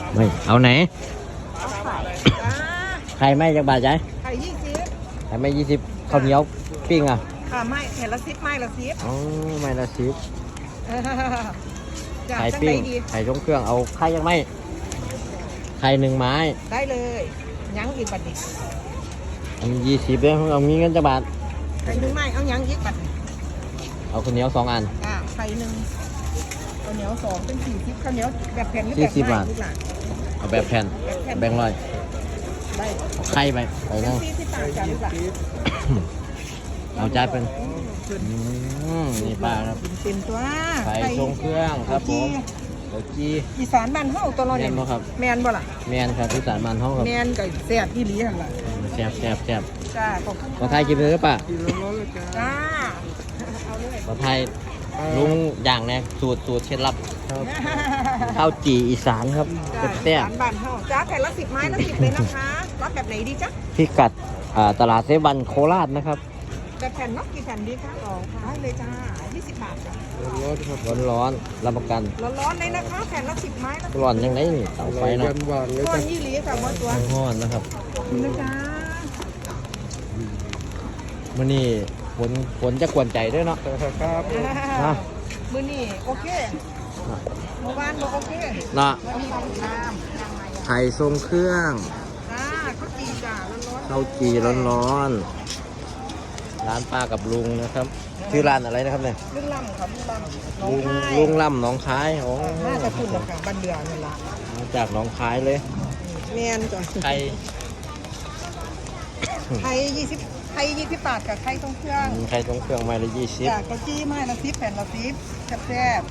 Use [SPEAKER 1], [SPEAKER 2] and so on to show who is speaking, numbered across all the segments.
[SPEAKER 1] ไม่เอาไหน
[SPEAKER 2] เอาไข่จ้า
[SPEAKER 1] ไข่ไม่จากบาทใจ
[SPEAKER 2] ไข่20
[SPEAKER 1] ไข่ไม่20ข้าวเหนียวปิ้งอ่ะ
[SPEAKER 2] ค่ะไม่แผ่นละ10ไม้ละ10
[SPEAKER 1] อ๋อไม่ละ10
[SPEAKER 2] จ้า
[SPEAKER 1] ไข่
[SPEAKER 2] จัง
[SPEAKER 1] ปิ้
[SPEAKER 2] ได
[SPEAKER 1] ง
[SPEAKER 2] ดี
[SPEAKER 1] ไข่ทรงเครื่องเอาไข่ยังไม่ไข่1 ไม้
[SPEAKER 2] ได้เลยยังอีกบัดนี้
[SPEAKER 1] อันนี้20เด้อเอามีเงินจากบาท
[SPEAKER 2] ไข่1ไม้เอายังอีกบัดนี้
[SPEAKER 1] เอาข้าวเหนียว2 อัน
[SPEAKER 2] จ้าไข่1ข้าวเหนียว2เป็น40ข้าวเหนียวแบบแผ่นหรือแบบ
[SPEAKER 1] 40
[SPEAKER 2] ไม้
[SPEAKER 1] บาท
[SPEAKER 2] ลูกหลาน
[SPEAKER 1] เอาแบบแผ่นแบ่งค์ร้อย
[SPEAKER 2] ได้
[SPEAKER 1] เอาไข่ไปนั่ง
[SPEAKER 2] 40บาทจ้าลูกหลาน
[SPEAKER 1] เอาใจเป็นนี่ป้าครับ
[SPEAKER 2] เป็นตัว
[SPEAKER 1] ไข่ทรงเครื่องครับผมโอจี
[SPEAKER 2] อีสานบ้านเฮาตัวเราเนี่ย
[SPEAKER 1] แม่นบ่ครับ
[SPEAKER 2] แมนบ่ล่ะ
[SPEAKER 1] แมนครับที่สารมันห้องครับ
[SPEAKER 2] แมนกับแซ่บอีหลีหั่นล่ะ
[SPEAKER 1] แซ่บ
[SPEAKER 2] จ้าขอบคุณ
[SPEAKER 1] ขอไทยกินเลยหรือเปล่า
[SPEAKER 2] จ้าเอาเลย
[SPEAKER 1] ขอไทยลุงอย่างแน่สูตรเคล็ดลับข้าวจี่อีสานครับ
[SPEAKER 2] จ้า
[SPEAKER 1] แซ่บ
[SPEAKER 2] อีสานบ้านเฮาจ้าแผ่นละ10ไม้ละ10เลยนะคะรับแบบไหนดีจ๊ะ
[SPEAKER 1] พิกัดตลาดเซบันโคราชนะครับ
[SPEAKER 2] แบบแผ่นเนกกี่แผ่นดีคะอ๋อได้เลยจ้า20บาทจ้ะ
[SPEAKER 1] ร้อนๆรับประกัน
[SPEAKER 2] ร้อนๆเลยนะคะแผ่นละ10ไม้ละ
[SPEAKER 1] ร้อนยังไงนี่เตาไฟเนาะ
[SPEAKER 2] ก้อนยี่หลีค่ะหมดตัว
[SPEAKER 1] ร้อนนะครับ
[SPEAKER 2] คุณนะจ๊ะ
[SPEAKER 1] มื้อนี้ฝนจะกวนใจด้วยเนาะ นะ
[SPEAKER 2] มื้อนี้โอเคเมื่อวานบ่โอเค
[SPEAKER 1] เนาะ
[SPEAKER 2] วันนี้ต้องน้ำ
[SPEAKER 1] ไข่ทรงเครื่อง
[SPEAKER 2] จ้าข้าวจีจ้าร้อน
[SPEAKER 1] ข้าวจี่ร้อนๆร้านป้ากับลุงนะครับชื่อร้านอะไรนะครับเนี่ย
[SPEAKER 2] ๆลุงล่ำครับลุงล่ำน้อง
[SPEAKER 1] ลุง
[SPEAKER 2] คาย
[SPEAKER 1] ลุงล่ำหนองคายโอ้
[SPEAKER 2] น่าจะคุณนะคะบ้านเดือนี่ล่ะ
[SPEAKER 1] มาจากหนองคายเลย
[SPEAKER 2] แมนจ้ะ
[SPEAKER 1] ไข่
[SPEAKER 2] ไข่20ไข่20บาทกับไข่ทรงเครื่อง
[SPEAKER 1] ไข่ทรงเครื่องไม้ละ20
[SPEAKER 2] จ้าข้าวจีไม้ละ10แผ่นละ10แซ่บ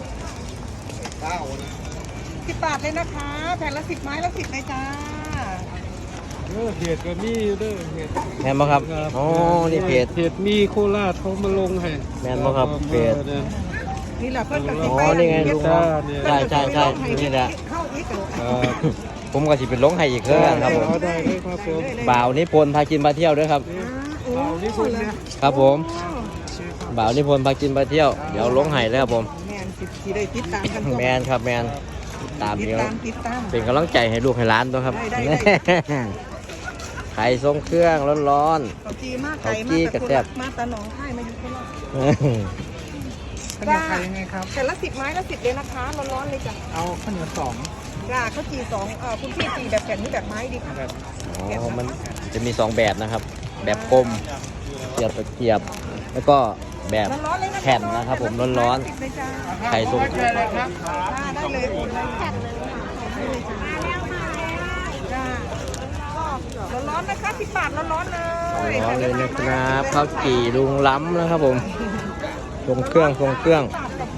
[SPEAKER 2] 10บาทเลยนะคะ แผ่นละ10ไม้ละ10เลยจ้า
[SPEAKER 3] เพจก็มีเด้อเพจ
[SPEAKER 1] แม่นบ่ครับอ๋อนี่เพจ
[SPEAKER 3] เพจมีโคราชเขามาลงให้
[SPEAKER 1] แม่นบ่ครับเพจ
[SPEAKER 2] นี่แหละเพิ่นกับ
[SPEAKER 1] อ๋อนี่ไงลุง ใช่ใช่นี่แหละ
[SPEAKER 2] เข้าอีกเหรอ
[SPEAKER 1] ผมก็สิเป็นลงให้อีกเครื่องครับผม
[SPEAKER 3] ได้เลยครับผม
[SPEAKER 1] บ่าวนิพนธ์พากินพาเที่ยวด้วยครับ
[SPEAKER 2] เอานี่คุณเนี่ย
[SPEAKER 1] ครับผมบ่าวนิพนธ์พากินพาเที่ยวเดี๋ยวลงให้เลยครับผม
[SPEAKER 2] แมนสิได้ติดตามกัน
[SPEAKER 1] แมนครับแมนตาม
[SPEAKER 2] ติด
[SPEAKER 1] เดียว
[SPEAKER 2] ติดตาม
[SPEAKER 1] เป็นกำลังใจให้ลูกให้ร้านตัวครับ
[SPEAKER 2] ได้
[SPEAKER 1] ไข่ทรงเครื่องร้อน
[SPEAKER 2] เขาจีมากไก่
[SPEAKER 1] เขาจี้
[SPEAKER 2] มาก
[SPEAKER 1] กระแซ่บ
[SPEAKER 2] มาตาหนองไข่มาอยู่โคราช
[SPEAKER 1] ๆ
[SPEAKER 3] ข้าวเหนียวไข่ยังไงครับ
[SPEAKER 2] แผ่นละ10ไม้ละ10เลยนะคะร้อนๆเลยจ้ะ
[SPEAKER 3] เอาข้าวเหนียว2
[SPEAKER 2] จ้าข้าวจี2คุณพี่จีแบบแผ่นนี้แบบไม้ดีค่ะ
[SPEAKER 1] อ๋อมันจะมี2แบบนะครับ แบบกลมเสียบตะเกียบ แล้วก็แบบ
[SPEAKER 2] ร้อนๆเลยนะ
[SPEAKER 1] แผ่นนะครับผมร้อน
[SPEAKER 2] ๆเลยจ้า
[SPEAKER 1] ๆไข่ทรงเครื่อง
[SPEAKER 3] เลยครับ
[SPEAKER 2] ได้เลยแผ่นเลยค่ะได้เลยจ้าจ้าร้อนๆนะคะ10บาทร้อนๆเลย
[SPEAKER 1] ร้อนเลยนะครับข้าวจี่ลุงล้ำนะครับผมทรงเครื่องทรงเครื่อง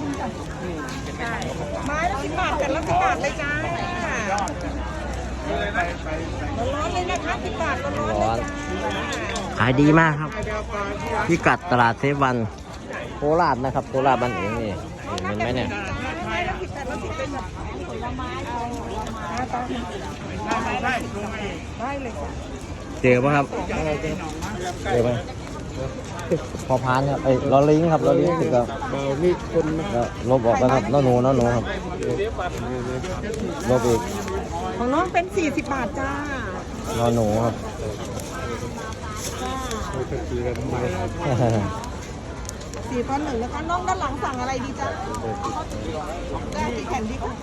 [SPEAKER 2] ไม้ละ10บาทกันละ10บาทเลยจ้าร้อนๆเลยนะคะ10บาทร้อนๆเลยจ้า
[SPEAKER 1] ขายดีมากครับพิกัดตลาดเซวันโคราชนะครับโคราชบ้านเองนี่เห็นไหมเนี่ย
[SPEAKER 2] ไม้ละ10แต่ละ10เป็นแบบผลไม้เอาได้เลยค่ะ
[SPEAKER 1] เจอป่ะครับเจอไหมพอพานครับไอ้ลอลิงครับลอลิงติดกับ
[SPEAKER 3] เบามีคนนะ
[SPEAKER 1] แล้วลบออกแล้วครับน้อหนูครับลบอีก
[SPEAKER 2] ของน้องเป็น40บาทจ้า
[SPEAKER 1] น้อหนูครับ
[SPEAKER 3] เขาจะตีกันทำไม
[SPEAKER 2] 4ตอน1นะคะน้องด้านหลังสั่งอะไรดีจ้าได้กี่แผ่นดีคะ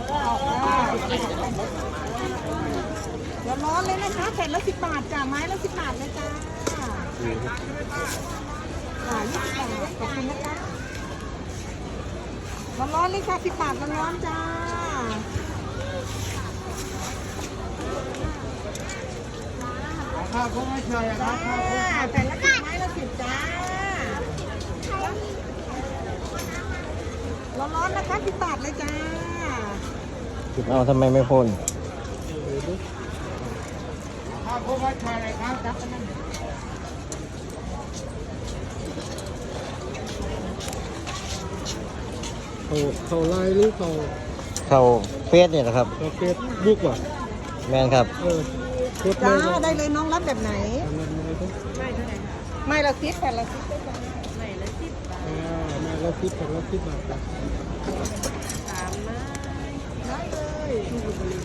[SPEAKER 2] ร้อนๆเลยนะคะแผ่นละ10บาทจ้าไม้ละ10บาทเลยจ้า20บาทขอบคุณนะคะร้อนๆเลยค่ะ10บาทร้อนๆจ้า
[SPEAKER 3] ข้าวโพดไทยครับ
[SPEAKER 2] แผ่นละ10ไม้ละ10จ้าร้อนๆนะคะ10บาทเลยจ้า
[SPEAKER 1] เอาทำไมไม่พ่น
[SPEAKER 3] ข้าวโพดไทยครับเขาไล่หรือเขา
[SPEAKER 1] เข้าเฟสเนี่ยนะครับ
[SPEAKER 3] เขาเฟซบุ๊กว่ะ
[SPEAKER 1] แมนครับ
[SPEAKER 3] โคตร
[SPEAKER 2] จ้า
[SPEAKER 3] เลย
[SPEAKER 2] ได้เลยน้องรับแบบไหน ไม่ละ10แผ่นละ10ได้จ้า
[SPEAKER 3] มาแล้ว10 บาท
[SPEAKER 2] ได้เลย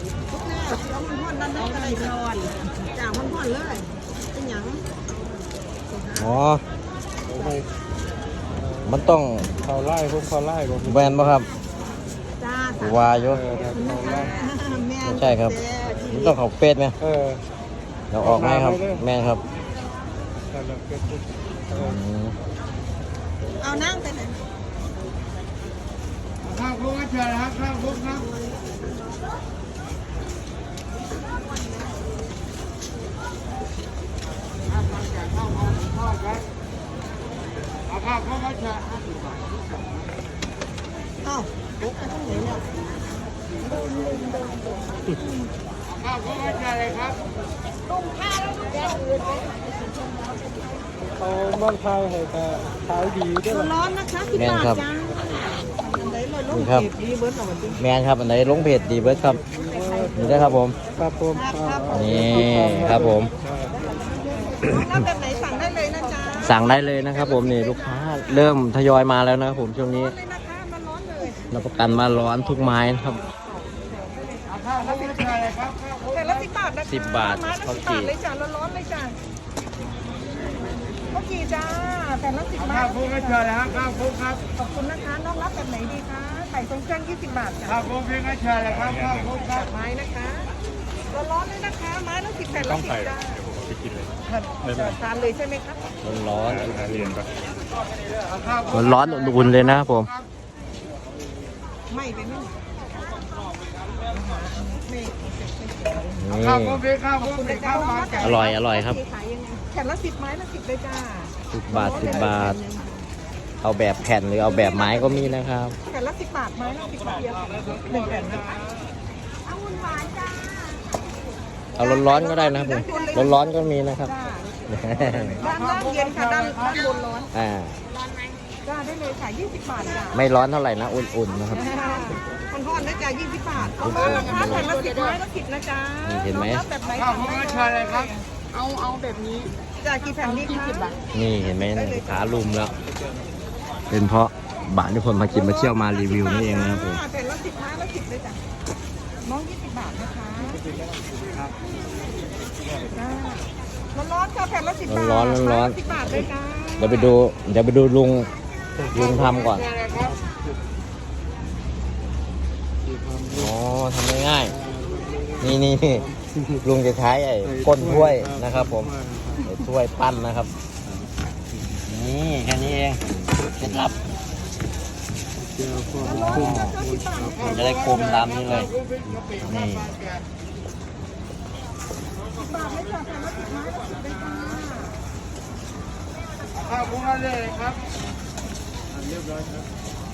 [SPEAKER 2] เอามันพ่อนนั่นนั่นอะไรร้อนจ่ามันพ่อนเลยเป็นหยัง
[SPEAKER 1] อ๋อมันต้อง
[SPEAKER 3] เขาไล่พวกเขาไล่พวก
[SPEAKER 1] แบนป่ะครับ
[SPEAKER 2] จ้า
[SPEAKER 1] วาอยุ
[SPEAKER 3] เขาไล่
[SPEAKER 1] ใช่ครับมันต้องเขาเป็ดไหม เราออกไหมครับ แม่ครับ
[SPEAKER 2] เอานั่งไปไหน
[SPEAKER 3] ข้าวพวกเชิญครับข้าวพวกครับเอาข้าวพวกเชิญ
[SPEAKER 2] เอ้าลุกไปตรงไหนเนี่ย
[SPEAKER 3] ข้าวพวกเชิญเลยครับ
[SPEAKER 2] ลุงข้าวแล้วลุงแกอื่นไป
[SPEAKER 3] เขาบ้านไทยให้แต่ขายดีด้วย
[SPEAKER 2] ร้อนนะคะพี่ปากจ้าอันไหนเลยลุง
[SPEAKER 1] นี่ครับ
[SPEAKER 2] เก็บดีเบิร์ดหน่อยจริง
[SPEAKER 1] แมนครับอันไหนลงเพจดีเบิร์ดครับนี่ได้ครับผม
[SPEAKER 3] ครับผม
[SPEAKER 1] นี่ครับผม
[SPEAKER 2] แล้วแบบไหนสั่งได้เลยนะจ๊ะ
[SPEAKER 1] สั่งได้เลยนะครับผมนี่ลูกค้าเริ่มทยอยมาแล้วนะครับผมช่วงนี้
[SPEAKER 2] ร้อนเลยนะคะมันร้อนเลย
[SPEAKER 1] รับประกันมาร้อนทุกไม้นะครับ
[SPEAKER 3] ข้าวพวกเชิญเลยครับ
[SPEAKER 2] แต่ละ10 บาทนะคะ
[SPEAKER 1] 10 บาท
[SPEAKER 2] ไม้ละ
[SPEAKER 1] ข้าว
[SPEAKER 2] 10
[SPEAKER 1] จี่
[SPEAKER 2] บาทเลยจ้ะร้อนๆเลยจ้ะข้าวจี่จ้าแต่ละ10 บา
[SPEAKER 3] ข้าว
[SPEAKER 2] ท
[SPEAKER 3] พวกเชิญเลยครับข้าวพวกครับ
[SPEAKER 2] ขอบคุณนะคะน้องรับแบบไหนดีคะไข่ทรงเครื่อง20 บาทจ้ะ
[SPEAKER 3] ข้าวพวกเชิญเลยครับข้าวพวกครับ
[SPEAKER 2] ไม้นะคะร้อนๆเลยนะคะไม้ละ10แผ่นละ10จ้า
[SPEAKER 3] ไปกินเลย
[SPEAKER 2] ทานเลยใช่ไหมครับ
[SPEAKER 1] ร้อน
[SPEAKER 3] เรียนปะ
[SPEAKER 1] ร้อนอุ่นๆเลยนะครับผม
[SPEAKER 2] ไม่ไปไม่
[SPEAKER 1] นี่
[SPEAKER 3] ข้าวพวกข้าวพวกข้าวมาแกะ
[SPEAKER 1] อร่อยครับ
[SPEAKER 2] ขายยังไงแผ่นละ10ไม้ละ10เลยจ้า
[SPEAKER 1] 10 บาท 10 บาท เอาแบบแผ่นหรือเอาแบบไม้ก็มีนะครับ
[SPEAKER 2] แผ่นละ10 บาทไม้ละ10บาทเดียว1แผ่นนะคะเอาหุ่นหวานจ้า
[SPEAKER 1] เอาร้อนๆก็ได้นะครับผมร้อนๆก็มีนะครับ
[SPEAKER 2] จ้าด้านล่างเย็นค่ะด้านบนร้อน
[SPEAKER 1] อ่า
[SPEAKER 2] จ้าได้เลยค่ะ20 บาทจ้า
[SPEAKER 1] ไม่ร้อนเท่าไหร่นะอุ่นๆนะครับ
[SPEAKER 2] มันทอดนะจ๊ะ20 บาทเอามานะคะแผ่นละ10ไม้ละ10นะจ๊ะ
[SPEAKER 1] นี่เห็นไหม
[SPEAKER 2] องรับแบบไหน
[SPEAKER 3] ข้าวพวกเชิญเลยครับ
[SPEAKER 2] เอาแบบนี้จ้ากี่แผ่นดีคะ
[SPEAKER 1] นี่เห็นไหมลูกค้าลุมแล้ว เป็นเพราะบ้านที่คนมากินมาเที่ยวมารีวิวนี่เองนะครับผม
[SPEAKER 2] แผ่นละ10ไม้ละ10เลยจ้ะน้อง20 บาทนะคะจ้าร้อนๆค่ะแผ่นละ10 บาท
[SPEAKER 1] ร้อนๆร้อน
[SPEAKER 2] 10 บาทเลยจ้า
[SPEAKER 1] เดี๋ยวไปดูลุงทำก่อน อ๋อทำง่ายๆนี่ลุงจะใช้ไอ้ก้นถ้วยนะครับผมไอ้ถ้วยปั้นนะครับ นี่แค่นี้เองเคล็ดลับมันจะได้กลมตามนี้เลย นี่
[SPEAKER 2] บาทเลยจ้ะแผ่นละ10ไม้ละ10เลยจ้า
[SPEAKER 3] ข้าวพวกเลยครับเรียบร้อยครับ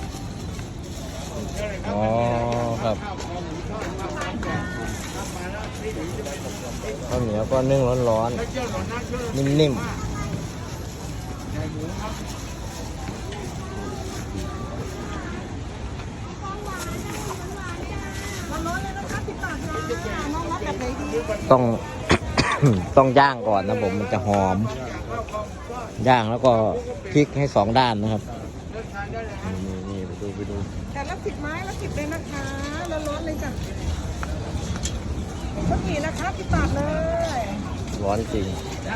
[SPEAKER 1] อ๋อครับข้าวเหนียวก็นึ่งร้อนๆนิ่มๆ
[SPEAKER 2] ร้อนๆเลยนะคะ10 บาทจ้าน้องรับแบบไหนดี
[SPEAKER 1] ต้อง ต้องย่างก่อนนะผมมันจะหอม ย่างแล้วก็พลิกให้2 ด้านนะครับ นี่ไปดู
[SPEAKER 2] แต่ละ10ไม้ละ10เลยนะคะร้อนๆเลยจ้ะเมื่อกี้นะคะ10 บาทเลย
[SPEAKER 1] ร้อนจริง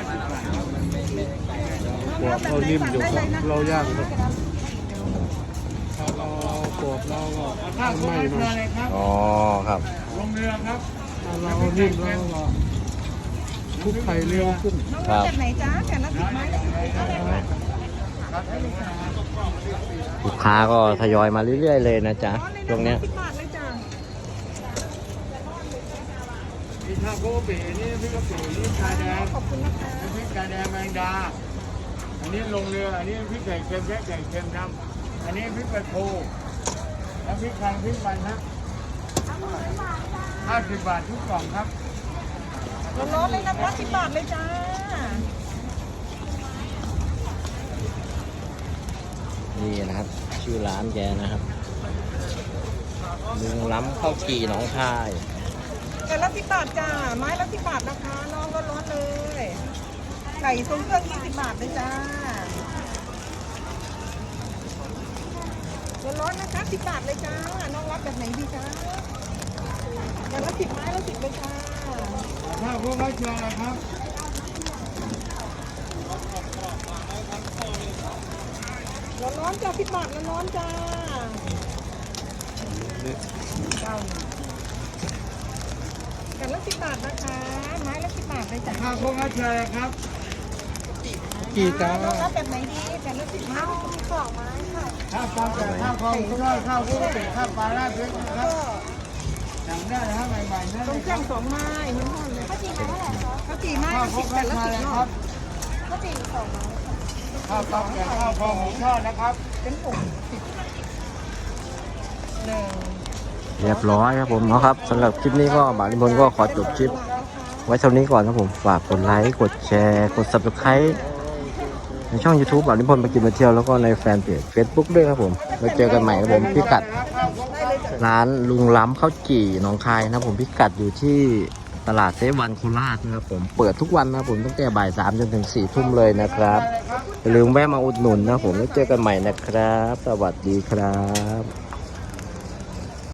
[SPEAKER 3] กรอบเรานิ่มอยู่ครับเราย่างครับถ้าเรากรอบเราก็ไม่หน่อย
[SPEAKER 1] อ๋อครับ
[SPEAKER 3] ลงเรือครับถ้าเรานิ่มเราก็คลุกไข่เร็วขึ้น
[SPEAKER 2] น้องรับแบบไหนจ้าแผ่นละ10ไม้ละ10เลยจ้า
[SPEAKER 1] ลูกค้าก็ทยอยมาเรื่อยๆเลยนะจ๊ะช่วงเนี้ย
[SPEAKER 2] 10 บาทเลยจ้า
[SPEAKER 3] นี่ถ้าโกเป๋นี่พริกกะปินี่ชาแดง
[SPEAKER 2] ขอบคุณนะคะ
[SPEAKER 3] พริกชาแดงแมงดา อันนี้ลงเรือ อันนี้พริกไก่เค็มแค่ไก่เค็มดำอันนี้พริกปลาทูแล้วพริกแข็งพริกมันฮะ50 บาททุกกล่องครับ
[SPEAKER 2] ร้อนๆเลยนะคะ10 บาทเลยจ้า
[SPEAKER 1] นี่นะครับ ชื่อร้านแกนะครับลุงล้ำข้าวจี่หนองคาย
[SPEAKER 2] แต่ละ10 บาทจ้าไม้ละ10 บาทนะคะน้องร้อนๆเลยไก่ทรงเครื่อง20 บาทเลยจ้าร้อนๆนะคะ10 บาทเลยจ้าน้องรับแบบไหนดีจ้าแต่ละ10ไม้ละ10เลยจ้า
[SPEAKER 3] พวกเขาเชิญเลยครับ
[SPEAKER 2] ร้อนๆจ้า10 บาทร้อนๆจ้ากันละ10 บาทนะคะ ไม้ละ10 บาทเลยจ้ะ
[SPEAKER 3] ข้าวพวกเขาเชิญเลยครับ
[SPEAKER 2] กี่จ้าแล้วแบบไหนดีกันละ10 บาท2 ไม้ค่ะ
[SPEAKER 3] ข้าวปลาแต่ข้าวคลองกุ้งทอดข้าวกุ้งเป็ดข้าวปลาราดพริกนะครับสั่งได้นะครับใหม่ๆนะ
[SPEAKER 2] ต้มแจ่ว2 ไม้มันห่อนเลยข้าวจี่ไม้เท่าไหร่คะข้าวจี่ไม้
[SPEAKER 3] ข้าว
[SPEAKER 2] ละ
[SPEAKER 3] พวก
[SPEAKER 2] 10
[SPEAKER 3] เขา
[SPEAKER 2] กันละ
[SPEAKER 3] เชิญเลย
[SPEAKER 2] 10
[SPEAKER 3] ค
[SPEAKER 2] เนาะ
[SPEAKER 3] รับ
[SPEAKER 2] ข้าวจี่2 ไม้
[SPEAKER 3] ข้าวปลาแต่ข้าวคลองหมูทอดนะครับ
[SPEAKER 2] เป็นปุ่มหนึ่ง
[SPEAKER 1] เรียบร้อยครับผมเนาะครับสำหรับคลิปนี้ก็บ่าวนิพนธ์ก็ขอจบคลิปไว้เท่านี้ก่อนครับผมฝากกดไลค์กดแชร์กด Subscribe ในช่อง YouTube บ่าวนิพนธ์มากินมาเที่ยวแล้วก็ในแฟนเพจ Facebook ด้วยครับผมไว้เจอกันใหม่ครับผมพิกัดร้านลุงล้ำข้าวจี่หนองคายนะครับผมพิกัดอยู่ที่ตลาดเซฟวันโคราชนะครับผมเปิดทุกวันนะครับผมตั้งแต่บ่าย 3 จนถึง 4 ทุ่มเลยนะครับอย่าลืมแวะมาอุดหนุนนะครับผมไว้เจอกันใหม่นะครับ สวัสดีครับ